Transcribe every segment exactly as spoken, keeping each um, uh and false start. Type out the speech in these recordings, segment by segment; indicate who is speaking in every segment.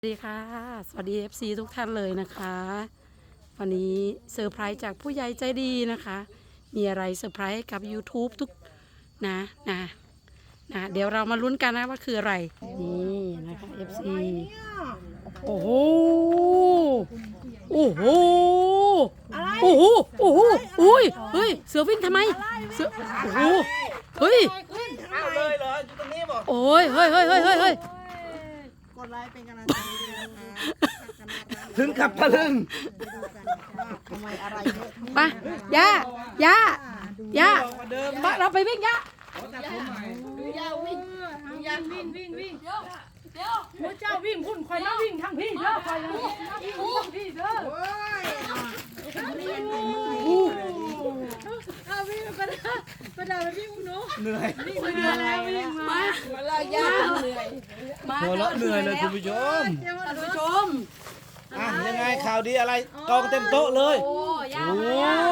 Speaker 1: สวัสดีค่ะสวัสดี เอฟ ซี ทุกท่านเลยนะคะวันนี้เซอร์ไพรส์จากผู้ใหญ่ใจดีนะคะมีอะไรเซอร์ไพรส์กับ ยูทูบ ทุกนะนะนะเดี๋ยวเรามาลุ้นกันนะว่าคืออะไรนี่นะคะ เอฟ ซี โอ้โหโอ้โหโอ้โหโอ้โหอุ้ยเฮ้ยเสือวิ่งทำไมเสือโอ้โหเฮ้ย
Speaker 2: เอาเลยเหรออยู่ตรงนี้บอก
Speaker 1: โอ้ยเฮ้ยเฮ้ยเฮ้ยเฮ้ยเฮ้ย
Speaker 3: กดไลค์เป็นกำลังใจด้วยนะคะ
Speaker 2: ถึงกับตะลึง
Speaker 3: ไปดูกันว่าทำไมอะไรเยอะ
Speaker 1: ไปย่าย่าย่า
Speaker 2: บอกว่าเดิม
Speaker 1: ไปเราไปวิ่งย่า
Speaker 4: วิ่งวิ่งวิ่งเดี๋ยวเดี๋ยวพระเจ้าวิ่งคุณคอยมาวิ่งทางพี่เด้อคอยมาวิ่งทางพี่เด้อ
Speaker 3: โอ้ย
Speaker 4: เอาวิ่งก็ได้ก็ได้วิ่งหนู
Speaker 2: เหนื่อย
Speaker 4: วิ่งมาแล้ววิ่งมา
Speaker 1: มาเราย่าเหนื่อยมา
Speaker 2: หัวเราะเหนื่อยเลยคุณผู้ชม
Speaker 1: ท่านผู้ชม
Speaker 2: อ่ะยังไงข่าวดีอะไรกองเต็มโต๊ะเลย
Speaker 1: โอ้ย่า
Speaker 2: โอ้
Speaker 1: มาย่า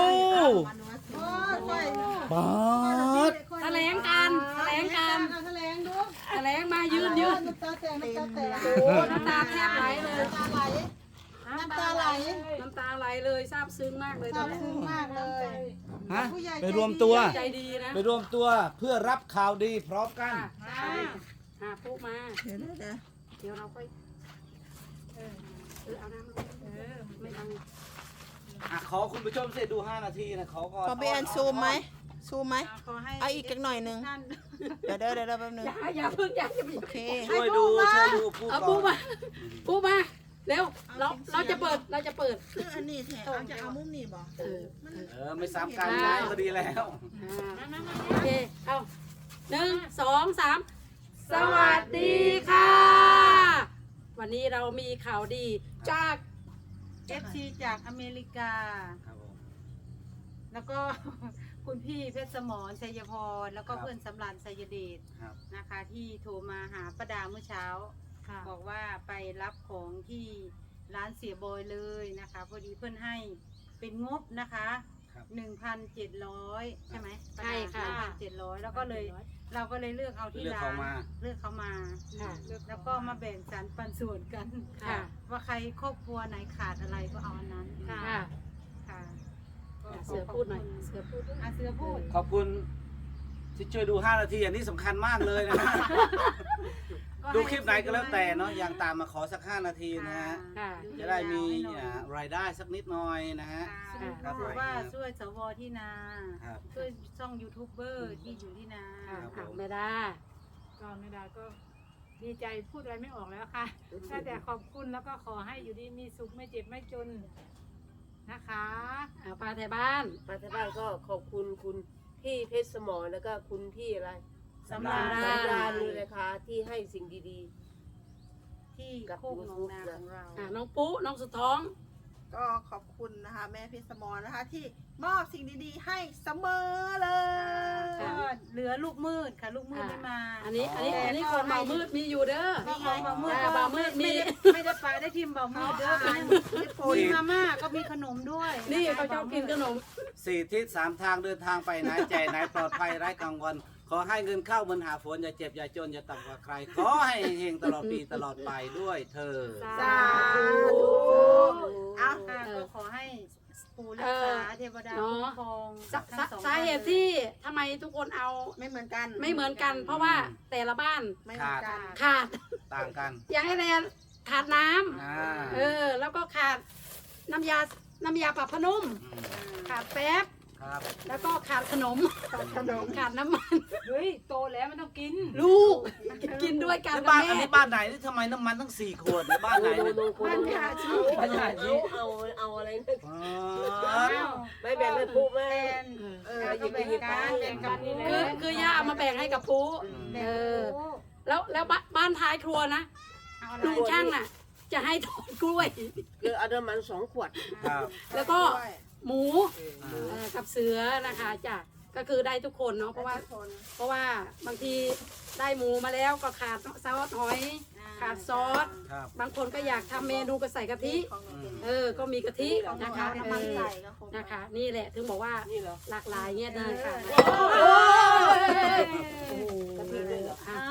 Speaker 2: บาส
Speaker 1: แถลงการแถลงการ
Speaker 3: แถลงดู
Speaker 1: แถลงมายืนยืน
Speaker 3: น้ำตาแตกน้ำตาแตก
Speaker 1: โอ้น้ำตาแทบไหลเลย
Speaker 3: น้ำตาไหล
Speaker 1: น้ำตาไหลเลยซาบซึ้งมากเลยตอ
Speaker 3: ซาน บ
Speaker 1: นี้
Speaker 3: ซึ้งมากเลย
Speaker 2: ฮะไปรวมตัว
Speaker 1: ใจดีนะ
Speaker 2: ไปรวมตัวเพื่อรับข่าวดีพร้อมกัน
Speaker 1: ค่ะหาปุ๊มา
Speaker 3: เดี๋ยวนะเดี๋ยว
Speaker 1: เดี๋ยวเราค่อยเออเออเอาน้ำลงเออไม่เอา
Speaker 2: อ่ะขอคุณผู้ชมเสร็จดูห้านาทีนะขอก่อน
Speaker 3: ขอพี่แอนซูมไหมซูมไหม
Speaker 4: ขอให้
Speaker 3: เอาอีกจักหน่อยหนึงเดี๋ยวเดี๋ยวเดี๋ยวแป๊บนึง
Speaker 1: อย่าอย่าเพิ่งอย่าอย่า
Speaker 3: โอเค
Speaker 2: ช่วยดูช่วยดูพูด
Speaker 1: เอา
Speaker 2: ก่
Speaker 1: ปุ๊
Speaker 2: อน
Speaker 1: มาปุ๊มาเร็วเราเราจะเปิดเราจะเปิด
Speaker 3: คืออันนี้แท้เอาจะเอามุมนี้บ่
Speaker 1: เออ
Speaker 2: เออไม่ซ้ำกันนะก็ดีแล้ว
Speaker 1: อ่าโอเคเอาหนึ่งสองสามสวัสดีค่ะ วันนี้เรามีข่าวดีจาก
Speaker 4: เอฟซีจากอเมริกา
Speaker 2: ครับผม
Speaker 4: แล้วก็ คุณพี่เพชรสมรชัยพรแล้วก็เพื่อนสำราญชัยเดช
Speaker 2: ครับ
Speaker 4: นะคะ ที่โทรมาหาป้าดาเมื่อเช้า บอกว่าไปรับของที่ร้านเสียบอยเลยนะคะพอดีเพื่อนให้เป็นงบนะคะ
Speaker 2: ครับ
Speaker 4: หนึ่งพันเจ็ดร้อยใช่ไหม
Speaker 1: ใช่ค่ะ
Speaker 4: หนึ่งพันเจ็ดร้อยแล้วก็เลยเราก็เลยเลือกเอาที่
Speaker 2: เลือก
Speaker 4: ร้า
Speaker 2: เขา
Speaker 4: น
Speaker 2: มา
Speaker 4: เลือกเขามา
Speaker 1: ค่ะ
Speaker 4: แล้วก็มาแบ่งสรรปันส่วนกัน
Speaker 1: ค่ะ
Speaker 4: ว่าใครครอบครัวไหนขาดอะไรก็เอาอันนั้น
Speaker 1: ค่ะ
Speaker 4: ค่ะก็
Speaker 1: เสือพูดหน่อยเสือพูดด้วย
Speaker 4: อ่ะเสือพูด
Speaker 2: ขอบคุณที่ช่วยดูห้านาทีอันนี้สำคัญมากเลยนะ ดูคลิปไหนก็แล้วแต่เนาะอย่างตามมาขอสักห้านาทีนะฮะ
Speaker 1: ค่ะ
Speaker 2: จะได้มีอ่ารายได้สักนิดหน่อยนะฮะ
Speaker 4: ค่ะ
Speaker 2: ครับ
Speaker 4: ถือว่าช่วยสวที่นา
Speaker 2: ครับ
Speaker 4: ช่วยช่องยูทูบเบอร์ที่อยู่ที่นา
Speaker 1: ค่ะ
Speaker 2: ครับ
Speaker 1: ค่ะไม่ได้
Speaker 5: ก็ไม่ได้ก็ดีใจพูดอะไรไม่ออกแล้วค่ะได้แต่ขอบคุณแล้วก็ขอให้อยู่ดีมีสุขไม่เจ็บไม่จนนะคะ
Speaker 1: เอาปลาไทยบ้าน
Speaker 6: มาที่บ้านก็ขอบคุณคุณพี่เพชรสมรแล้วก็คุณพี่อะไร
Speaker 4: สำราญ
Speaker 6: สำราญเลยนะคะที่ให้สิ่งดี
Speaker 4: ที่โคกหนองนาของเรา
Speaker 1: อ่าน้องปุ๊น้องสุดท้อง
Speaker 3: ก็ขอบคุณนะคะแม่เพชรสมรนะคะ ที่มอบสิ่งดีๆให้เสมอเล
Speaker 4: ก็
Speaker 3: ย
Speaker 4: เหลือลูกมืดค่ะลูกมืดไม่มา
Speaker 1: อันนี้อันนี้อันนี้คนเบามืดมีอยู่เด้อ
Speaker 4: ก็ของเบามืด
Speaker 1: จ้า
Speaker 4: ก็
Speaker 1: เบามืดมี
Speaker 4: ไม่ได้ไม่ได้ปลาได้ทิมเบามืดเด้อมีมาม่าก็มีขนมด้วย
Speaker 1: นี่เขาชอบกินขนม
Speaker 2: สี่ทิศสามทางเดินทางไปไหนใจไหนปลอดภัยไร้กังวลขอให้เงินเข้าเหมือนหาฝนอย่าเจ็บอย่าจนอย่าต่ำกว่าใคร ขอให้เฮงๆตลอดปีตลอดไปด้วยเธอ
Speaker 3: สาธุเอา
Speaker 4: ค่ะก็ขอให้ปู่รักษาเทวดา
Speaker 1: เนาะ
Speaker 4: คุ้มครอง
Speaker 1: สา
Speaker 4: ทั้
Speaker 1: สาง
Speaker 4: สอง
Speaker 1: สาเหตุที่ทำไมทุกคนเอา
Speaker 3: ไม่เหมือนกัน
Speaker 1: ไม่เหมือนกัน เพราะว่าแต่ละบ้าน
Speaker 3: ไม่เหมือนกัน
Speaker 1: ขาด
Speaker 2: ต่างกัน
Speaker 1: อย่างไอแนนขาดน้ำ
Speaker 2: อ่า
Speaker 1: เออ แล้วก็ขาดน้ำยา น้ำยาปรับผ้านุ่ม
Speaker 2: ม
Speaker 1: ขาดแป๊บ
Speaker 2: ครับ
Speaker 1: แล้วก็ขาดขนม ขาดขนม ขาดน้ำมัน
Speaker 5: เฮ้ยโตแล้วมันต้องกิน
Speaker 1: ลูก กินด้วยกัน
Speaker 2: แล้ว
Speaker 1: กับ
Speaker 2: บ้านอัน
Speaker 1: แม่
Speaker 2: นี้บ้านไหนนี่ทำไมน้ำมันตั้งสี่ขวดในบ้าน
Speaker 6: ๆ
Speaker 2: ไหน
Speaker 6: โน
Speaker 2: เนี่ย
Speaker 6: โนโน
Speaker 3: บ้านยาชี
Speaker 6: เอาเอาเอาเอาอะไรนะ
Speaker 2: อ๋
Speaker 4: อ้า
Speaker 2: อ
Speaker 4: ว
Speaker 6: ไม่แบ่งให้ผู้แม่
Speaker 4: แอน
Speaker 3: เออ
Speaker 4: เออก็แบ่งกันแบ่งกันนี่แหละ
Speaker 1: คือคือย่าเอามาแบ่งให้กับปูเออ แล้วแล้วบ้านบ้านท้ายครัวนะ
Speaker 4: เอาอะไร
Speaker 1: ลุงช่างน่ะ จะให้ถอนกล้วย
Speaker 6: คือเอาน้ำมันสองขวด
Speaker 2: ครับ
Speaker 1: แล้วก็
Speaker 3: ด้วย
Speaker 1: หมู
Speaker 2: อ่า
Speaker 1: เอ่อกับเสือนะคะจ้ะก็คือได้ทุกคนเนาะเพราะว่า
Speaker 3: คน
Speaker 1: เพราะว่าบางทีได้หมูมาแล้วก็ขาดซอสหอย ขาดซอส
Speaker 2: ครับ
Speaker 1: บางคนก็อยากทำเมนูก็ใส่กะทิ
Speaker 3: ของหนูเป็น
Speaker 1: เออ ก็มีกะทิ
Speaker 3: ของหนู
Speaker 1: นะคะ
Speaker 3: เอา
Speaker 1: เอ
Speaker 3: น้ำมัน
Speaker 1: อ
Speaker 3: ใส่ก็คง
Speaker 1: นะคะ นี่แหละถึงบอกว่า
Speaker 6: นี่เหรอ
Speaker 1: หลากหลายเงี้ยดีค่ะ
Speaker 4: โอ้
Speaker 1: โอ้โหอ่ะ
Speaker 4: อ่าของ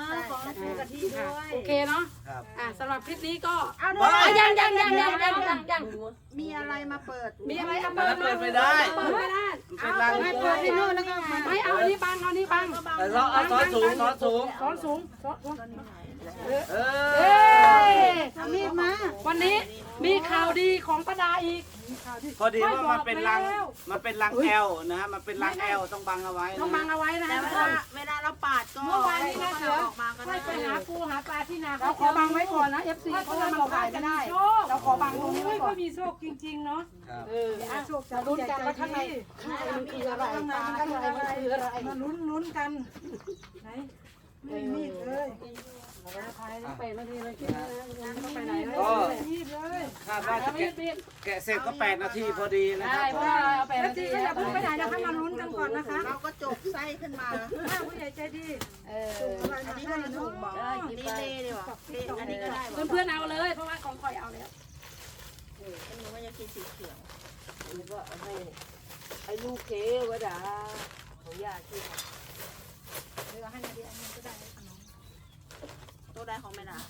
Speaker 4: ต้องปูกะทิด้วย
Speaker 1: โอเคเนาะ
Speaker 2: ครับ
Speaker 1: อ่ะสำหรับคลิปนี้ก็
Speaker 3: เอาด้ว
Speaker 2: ว้าย
Speaker 1: อ่ะยังยังยังยังยังยังยัง
Speaker 3: มีอะไรมาเปิด
Speaker 1: มีอะไรเอา
Speaker 2: อันนั้นเปิดไม่ได้
Speaker 1: เปิดไม่ได้
Speaker 2: มันเป็นรัง
Speaker 1: ไม่เปิดที่นู่นแล้วก็ไม่เอาอันนี้บังเอาอันนี้บัง
Speaker 2: แต่เราเอาซ้อนสูงซ้อนสูง
Speaker 1: ซ้อนสูงซ้อนสูง
Speaker 2: เอ
Speaker 1: เอ้
Speaker 2: อย
Speaker 1: เอามีดมา วันนี้มีข่าวดีของป้าดาอีก
Speaker 2: พอดีว่ามันเป็นรัง
Speaker 1: ไม่บอกแล้ว
Speaker 2: มันเป็นรังแอลนะฮะมันเป็นรังแอลต้องบังเอาไว้นะ
Speaker 1: ต้องบังเอาไว้นะ
Speaker 3: แต่
Speaker 1: ทุ
Speaker 3: เว
Speaker 1: กค
Speaker 3: ลาน เวลาเราปาดก็
Speaker 5: เมื่อวานนี้นะเสือ
Speaker 3: ออกมาก็
Speaker 5: ค่
Speaker 3: ได้
Speaker 5: อยไปหาปูหาปลาที่นา
Speaker 1: เราขอบังไว้ก่อนนะ เอฟ ซี
Speaker 5: ถ้า
Speaker 1: เพราะ
Speaker 5: เพื่อ
Speaker 1: ว่าน มัน
Speaker 5: บอกว่า
Speaker 1: ถ่าย
Speaker 5: จะ
Speaker 1: ไม่
Speaker 5: มี
Speaker 1: ได้
Speaker 5: โชค
Speaker 1: เราขอบังตรงนี้ไว้
Speaker 5: โอ้ย
Speaker 1: ก่อ
Speaker 5: ก็
Speaker 1: น
Speaker 5: มีโชคจริงๆเนาะ
Speaker 2: ครับ
Speaker 1: เอออ่ะ
Speaker 5: โชค
Speaker 1: จะลุ้นกันว่าข้างในข้างในมันคืออะไรข้างในมันคืออะไร
Speaker 5: มาลุ้นลุ้นกันไหนไม่มีดเลย
Speaker 1: เราจะถ่ายต้องไปนาทีเลยคิดนะต้องไปไหนเลย
Speaker 2: ก็
Speaker 5: มีดเลย
Speaker 2: คาดว่าจะ
Speaker 1: มี
Speaker 2: แกะ
Speaker 1: ดมีด
Speaker 2: แกะเสร็จก็แปดนาทีพอดีนะค
Speaker 1: ได้
Speaker 2: รับ
Speaker 1: เพราะว่าเราเอาไป
Speaker 5: แล้ว
Speaker 1: นา
Speaker 5: จี
Speaker 1: ที
Speaker 5: ก็อย่าเพิ่งไปไหนนะคะมาลุ้นกันก่อนนะคะ
Speaker 3: เราก็จบไส้ขึ้นมา
Speaker 5: ถ้าผู้ใหญ่ใจดี
Speaker 1: เออ
Speaker 3: อันนี้ก็จะถูกบอกดีเล่ดีกว่าอันนี้ก็ได้บอก
Speaker 1: เพื่อนๆเอาเลยเพราะว่าของคอยเอาแล้ว
Speaker 3: หนูก็จะกินสีเขียว
Speaker 6: แล้วก็เอาให้ให้ลูกเควดาของญาติที่
Speaker 5: เดี๋ยวให้นาดีอันนี้ก็ได้ขนม
Speaker 3: ตัวใดของแม่ดา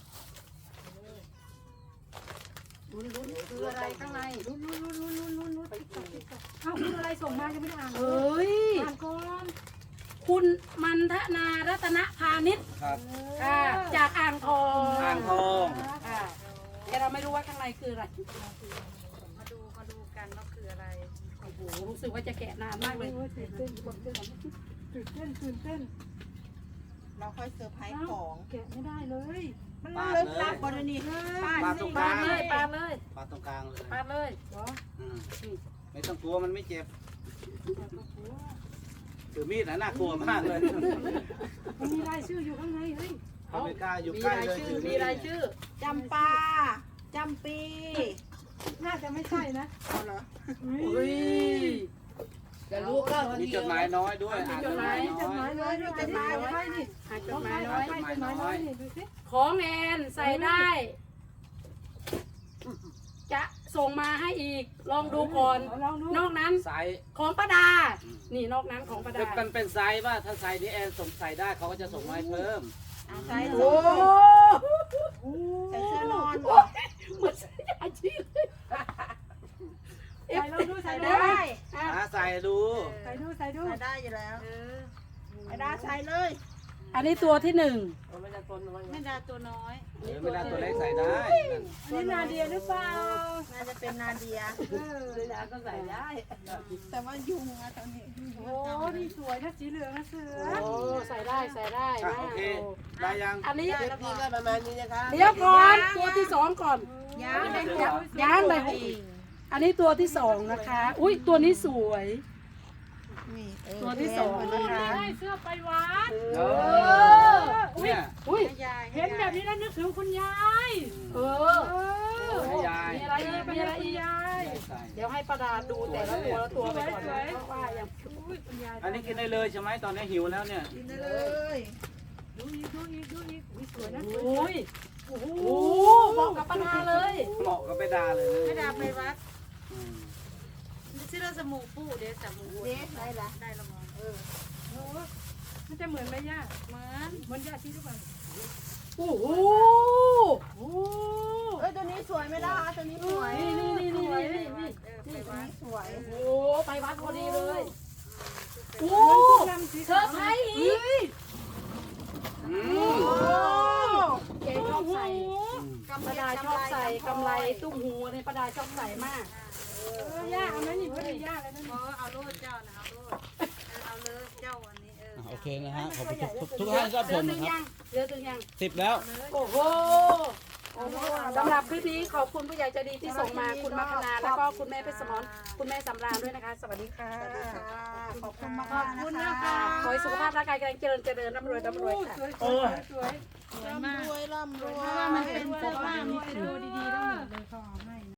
Speaker 1: ลุ้นลุ้นคืออะไรข้างใน
Speaker 5: ลุ้นลุ้นลุ้นลุ้นลุ้นลุ้นลุ้นติ๊กต๊อกติ๊กต๊อกเอ้าคุณอะไรส่งมายังไม่ได้อ่านเล
Speaker 1: เฮ้
Speaker 5: ย
Speaker 1: ย
Speaker 5: อ่านก่อน
Speaker 1: คุณมันทนารัตนพาณิชย์
Speaker 2: ครับ
Speaker 1: ค่ะจากอ่างทอง
Speaker 2: อ่างทอง
Speaker 1: ค่ะแต่เราไม่รู้ว่าข้างในคืออะไร
Speaker 4: มาดูมาดูกันว่าคืออะไร
Speaker 1: โอ้โหรู้สึกว่าจะแกะนานมากเลย
Speaker 5: โอ้ยตื่นเต้นตื่นเต้นตื่นเต้น
Speaker 3: เราค่อยเซอร์ไพรส์ของ
Speaker 5: แกะไม่ได้เลย
Speaker 3: มันลึกลับบริณี
Speaker 2: ปาดตรงก
Speaker 1: ปา
Speaker 2: ลา
Speaker 1: ด
Speaker 2: ง
Speaker 1: เลยปาดเลย
Speaker 2: ปาดตรงกลางเลย
Speaker 1: ปาดเลย
Speaker 5: เหรอ
Speaker 2: อืมไม่ต้องกลัวมันไม่เจ็บถือมีดนะน่ากลัวมากเลย
Speaker 5: มันมีรายชื่ออยู่ข้างในเฮ้ย
Speaker 2: เขาไม่กล้าอยู่
Speaker 1: มี
Speaker 2: ใกล้
Speaker 1: ราย
Speaker 2: เลย
Speaker 1: ชื่อ
Speaker 2: ถือ
Speaker 1: มี
Speaker 2: มีด
Speaker 1: รายชื่อ
Speaker 3: จำปาจำปี
Speaker 5: น่าจะไม่ใช่นะ
Speaker 3: เอาเหรอ
Speaker 1: อุ้ย
Speaker 6: จะลูกก็
Speaker 2: มีจดหมายน้อยด้วยอ่าน
Speaker 1: จ
Speaker 2: จ
Speaker 1: ด
Speaker 2: ด
Speaker 1: หมาม
Speaker 2: หาย ย
Speaker 5: จดห
Speaker 2: น้
Speaker 5: มา
Speaker 2: อย ย
Speaker 5: เลยจดหมายไว้นี่
Speaker 1: อ่านจ
Speaker 5: ต้อ
Speaker 1: ด
Speaker 5: ง
Speaker 1: หมาย
Speaker 5: ไป
Speaker 1: น้อย
Speaker 5: ไปจดหมายน้อยนี่ดูสิ
Speaker 1: ของแอนใส่ได้ จะส่งมาให้อีก ลองดูก่อน
Speaker 5: ลองดู
Speaker 1: นอกนั้น
Speaker 2: ไซส์
Speaker 1: ของป้าดา นี่นอกนั้นของป้า
Speaker 2: เป็น
Speaker 1: ดา
Speaker 2: มันเป็นไซส์ว่าถ้าไซส์นี้แอนส่งใส่ได้เขาก็จะส่งมาให้เพิ่ม
Speaker 3: ใส่
Speaker 1: โอ้
Speaker 3: ใส่เสื้อนอน
Speaker 1: โหเหมือนอาชีพเลย
Speaker 5: ใส่ลองดูใส่
Speaker 3: ใส่
Speaker 5: ดู
Speaker 3: ได้
Speaker 1: อ่ะ
Speaker 2: หาใส่ดู
Speaker 5: ใส่ดูใส่ดู
Speaker 3: ใส่ได้อยู่แล้ว
Speaker 4: เออ
Speaker 3: ไอ้ดาใส่เลย
Speaker 1: อันนี้ตัวที่หนึ่ง
Speaker 6: ไม่ได้ตนมัน
Speaker 4: แม่ดาตัวน้อย
Speaker 2: เออเวลาตัวเล็กใส่ได้
Speaker 5: อันนี้นาเดียหรือเปล่า
Speaker 3: น่าจะเป็นนาเดีย
Speaker 5: เออ
Speaker 6: เวลาก็ใส่ได้
Speaker 3: แต่ว่ายุงอะตอนนี้
Speaker 5: โอ้นี่สวยนะสีเหลืองนะเสือ
Speaker 1: โอ้ใส่ได้ใส่ได้
Speaker 2: อ่ะ
Speaker 1: นะ
Speaker 2: โอเคได้ยัง
Speaker 1: อันนี้
Speaker 6: คลิปนี้ก็ประมาณนี้นะคะ
Speaker 1: เดี๋ยวก่อนตัวที่สองก่อน
Speaker 3: ย่าง
Speaker 1: ย่างเลยอันนี้ตัวที่สองนะคะ อุ้ยตัวนี้สวย
Speaker 3: นี่เออ
Speaker 1: ตัวที่สองนะคะ
Speaker 5: ได้เสื้อไปวัด
Speaker 2: เอ
Speaker 1: เอ
Speaker 2: อ
Speaker 1: อ
Speaker 2: เนี่ย
Speaker 1: อุ้ย
Speaker 4: ให้ยาย
Speaker 5: เห็นแบบนี้แล้วนึกถึงคุณยาย
Speaker 1: เออ
Speaker 5: เออ
Speaker 2: ให้ยาย
Speaker 1: มีอะไรอีกมีอะไรอีก
Speaker 5: ยาย
Speaker 2: ใส่
Speaker 1: เดี๋ยวให้ประดาดูแต่ละตัวละตัวไปก่อนนะเพราะว่ายัง
Speaker 5: อุ้ยคุณยาย
Speaker 2: อันนี้กินได้เลยใช่ไหมตอนนี้หิวแล้วเนี่ย
Speaker 3: กินได้เลย
Speaker 5: ดูอีกดูอีกดูอีกอุ้ยสวยนะ
Speaker 1: โอ้ยโอ้โหเหมาะกับประดาเลย
Speaker 2: เหมาะกับไปดาเลย
Speaker 4: แม่ดาไปวัด
Speaker 2: อืม
Speaker 4: ชื่อเราสมูปูเดี๋ยวจับมู
Speaker 3: เด็ดได้ละ
Speaker 4: ได้ละมองเออ
Speaker 5: โอ้มันจะเหมือนไหมย่า
Speaker 4: เหมือน
Speaker 5: เหมือนย่าที่ทุกวัน
Speaker 1: โอ้โห
Speaker 5: โอ้
Speaker 3: เอ้ยตัวนี้สวยไม่ได้ตัวนี้สวย
Speaker 1: นี่นี่นี่นี่นี่นี่
Speaker 4: เออไป
Speaker 3: ตัว
Speaker 4: วัด
Speaker 3: นี้สวย
Speaker 1: โอ้โหไปวัดพอดีเลยโอ้
Speaker 5: ลำสี
Speaker 1: เธอใช้อีก
Speaker 2: อืม
Speaker 3: โอ้
Speaker 1: แกชอบใส่
Speaker 2: อืม
Speaker 1: ประดาชอบใส่กำไรตุ้มหูในประดาชอบใส่มาก
Speaker 5: เออย่าเอาไหมนี่พอดีย่าเลยนะ
Speaker 4: เออเอาโลดเจ้านะเอาโลดเออเอาเลยเจ้าอันนี้เออ
Speaker 2: โอเคนะฮะขอบคุณทุกทุกท่านรับชม
Speaker 1: เหลือถึ
Speaker 2: นะ
Speaker 1: ง
Speaker 2: ครั
Speaker 1: ยั
Speaker 2: บ
Speaker 1: งเหลือถึงยัง
Speaker 2: สิบแล้ว
Speaker 1: โอ้โหสำหรับคลิปนี้ขอบคุณผู้ใหญ่ใจดีที่ส่งมาคุณมัคคณาแล้วก็คุณแม่เพชรสมรคุณแม่สำราญด้วยนะคะ สวัสดีค่ะ
Speaker 3: ขอบคุณมาก
Speaker 5: ขอบคุณนะคะ
Speaker 1: ขอให้สุขภาพร่างกายแข็งแรงเจริญเจริญร่ำรวยร่ำรวยค่ะ
Speaker 5: สวยสวยสวย
Speaker 3: ร่ำรวยร่ำรวย
Speaker 5: เพราะว่ามันเป็นเสื้อผ้ามีแต่ดูดีๆทั้งหมดเลยค่ะ